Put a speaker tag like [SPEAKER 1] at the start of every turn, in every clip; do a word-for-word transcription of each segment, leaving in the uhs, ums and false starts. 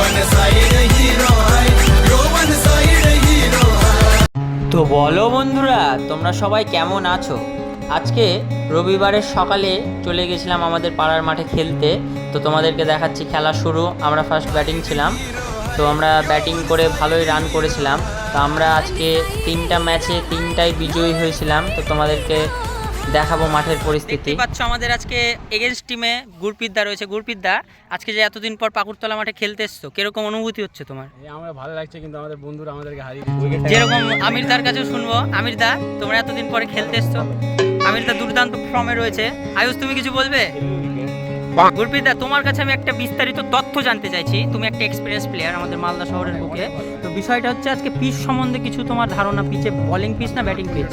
[SPEAKER 1] তো বলো বন্ধুরা, তোমরা সবাই কেমন আছো? আজকে রবিবারের সকালে চলে গেছিলাম আমাদের পাড়ার মাঠে খেলতে। তো তোমাদেরকে দেখাচ্ছি খেলা শুরু। আমরা ফার্স্ট ব্যাটিং ছিলাম, তো আমরা ব্যাটিং করে ভালোই রান করেছিলাম। তো আমরা আজকে তিনটা ম্যাচে তিনটাই বিজয়ী হয়েছিলাম। তো তোমাদেরকে দেখাবো মাঠের পরিস্থিতি। পাচ্ছ আমাদের আজকে এগেন্স্ট টিমে গুরপিতদা রয়েছে। গুরপিতদা, আজকে যে এতদিন পর পাকুড়তলা মাঠে খেলতে এসছো, কিরকম অনুভূতি হচ্ছে তোমার?
[SPEAKER 2] আমার ভালো লাগছে, কিন্তু আমাদের বন্ধুরা আমাদেরকে হারিয়ে
[SPEAKER 1] যেরকম আমিরদার কাছেও শুনবো। আমিরদা, তোমরা এতদিন পরে খেলতে এসছো, আমিরদা দুর্দান্ত ফর্মে রয়েছে। আয়ুষ, তুমি কিছু বলবে? গুরপিতদা, তোমার কাছে আমি একটা বিস্তারিত তথ্য জানতে চাইছি। তুমি একটা এক্সপিরিয়েন্স প্লেয়ার আমাদের মালদা শহরের বুকে। তো বিষয়টা হচ্ছে আজকে পিচ সম্বন্ধে কিছু তোমার ধারণা। পিচে বলিং পিচ না ব্যাটিং পিচ?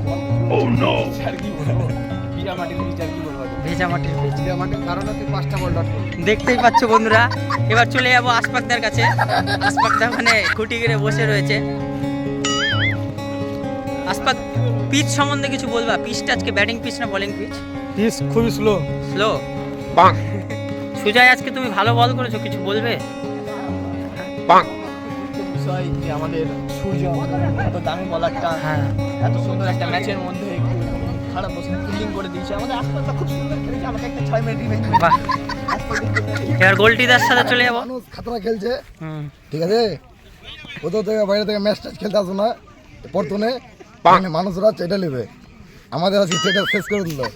[SPEAKER 1] ভেজা মাটির পিচ। দেখতেই পাচ্ছ বন্ধুরা। এবার চলে যাবো আশফাকদার কাছে। আশফাকদা ওখানে খুঁটি গিরে বসে রয়েছে। আশফাক, পিচ সম্বন্ধে কিছু বলবা? পিচটা আজকে ব্যাটিং পিচ না বলিং পিচ?
[SPEAKER 2] পিচ খুবই স্লো
[SPEAKER 1] স্লো। সুজয়, আজকে তুমি ভালো বল করেছো, কিছু বলবে?
[SPEAKER 2] বিষয় যে আমাদের সূর্য এত দামি বলারটা,
[SPEAKER 1] হ্যাঁ,
[SPEAKER 2] এত সুন্দর একটা ম্যাচের মধ্যে একটু খারাপ বসে ফিল্ডিং করে দিয়েছে। আমাদের আশপাশটা খুব সুন্দর খেলেছে। আমাকে একটা ছয় মিনিট রিভেঞ্জ।
[SPEAKER 1] বাহ। এবার গোলটিদার সাথে চলে যাবো।
[SPEAKER 3] মানুষ খাতরা খেলছে,
[SPEAKER 1] হুম,
[SPEAKER 3] ঠিক আছে। কোথাও থেকে বাইরে থেকে ম্যাচ ট্যাচ খেলতে আসো না, প্রথমে মানুষরা চেটে নেবে। আমাদের আজকে চেটে শেষ করে দিল।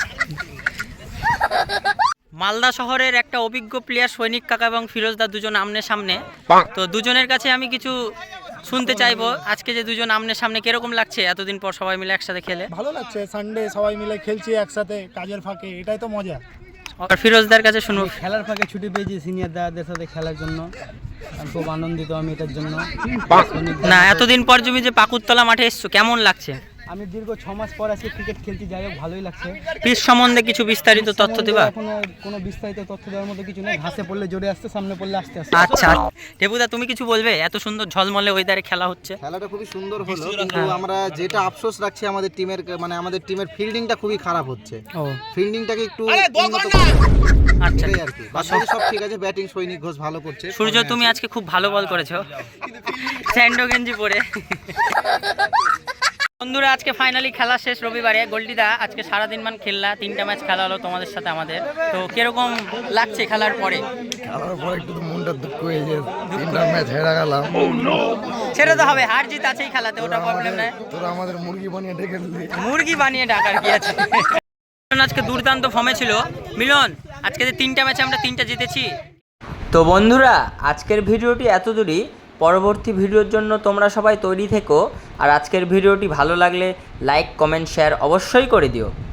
[SPEAKER 1] মালদা শহরের একটা অভিজ্ঞ প্লেয়ার সৈনিক কাকা এবং ফিরোজদা দুজন আমনে সামনে। তো দুজনের কাছে আমি কিছু শুনতে চাইবো। আজকে যে দুজন আমনে সামনে, কিরকম লাগছে এতদিন পর সবাই মিলে একসাথে খেলে?
[SPEAKER 2] ভালো লাগছে, সানডে সবাই মিলে খেলছি একসাথে কাজের ফাঁকে, এটাই তো মজা।
[SPEAKER 1] আর ফিরোজদার কাছে শুনবো।
[SPEAKER 4] খেলার ফাঁকে ছুটি পেয়েছি সিনিয়র দাদাদের সাথে খেলার জন্য, আর খুব আনন্দিত আমি এটার জন্য।
[SPEAKER 1] না, এতদিন পর তুমি যে পাকুড়তলা মাঠে এসছো, কেমন লাগছে?
[SPEAKER 4] আমি দীর্ঘ ছ মাস পর আজকে ক্রিকেট খেলতে, যাই হোক ভালোই লাগছে।
[SPEAKER 1] পিচ সম্বন্ধে কিছু বিস্তারিত তথ্য দেবা?
[SPEAKER 4] কোনো কোনো বিস্তারিত তথ্য দেওয়ার মতো কিছু নেই। ঘাসে পড়লে জোরে আসছে, সামনে পড়লে আসতে আসতে।
[SPEAKER 1] আচ্ছা, টেপুদা, তুমি কিছু বলবে? এত সুন্দর ঝলমলে ওয়েদারে খেলা হচ্ছে।
[SPEAKER 5] খেলাটা খুবই সুন্দর হলো, কিন্তু আমরা যেটা আফসোস রাখছি আমাদের টিমের, মানে আমাদের টিমের ফিল্ডিংটা খুবই খারাপ হচ্ছে।
[SPEAKER 1] ও,
[SPEAKER 5] ফিল্ডিংটাকে একটু উন্নত
[SPEAKER 1] আচ্ছা,
[SPEAKER 5] করতে আর কি। বাকি সব ঠিক আছে, ব্যাটিং সৈনিক ঘোষ ভালো করছে।
[SPEAKER 1] সূর্য, তুমি আজকে খুব ভালো বল করেছো স্যান্ডো গেঞ্জি পরে। বন্ধুরা, আজকে ফাইনালি খেলা শেষ রবিবারে। গোল্ডিদা, আজকে সারাদিন মান খেললা, তিনটা ম্যাচ খেলা হলো তোমাদের সাথে আমাদের। তো কিরকম লাগছে খেলার পরে?
[SPEAKER 3] খেলার পর একটু তো মনটা দুঃখ হয়ে যায়, তিনটা ম্যাচ হেরে গেলাম।
[SPEAKER 1] ছেড়ে তো হবে, হার জিত আছেই খেলাতে, ওটা প্রবলেম নাই।
[SPEAKER 3] তোরা আমাদের মুরগি বানিয়ে ডেকে দিলি।
[SPEAKER 1] মুরগি বানিয়ে ডাকার কি আছে? আজকে দুর্দান্ত ফর্মে ছিল মিলন। আজকে যে তিনটা ম্যাচে আমরা তিনটা জিতেছি। তো বন্ধুরা, আজকের ভিডিওটি এত দূরই। পরবর্তী ভিডিওর জন্য তোমরা সবাই তৈরি থেকো। আর আজকের ভিডিওটি ভালো লাগলে লাইক, কমেন্ট, শেয়ার অবশ্যই করে দিও।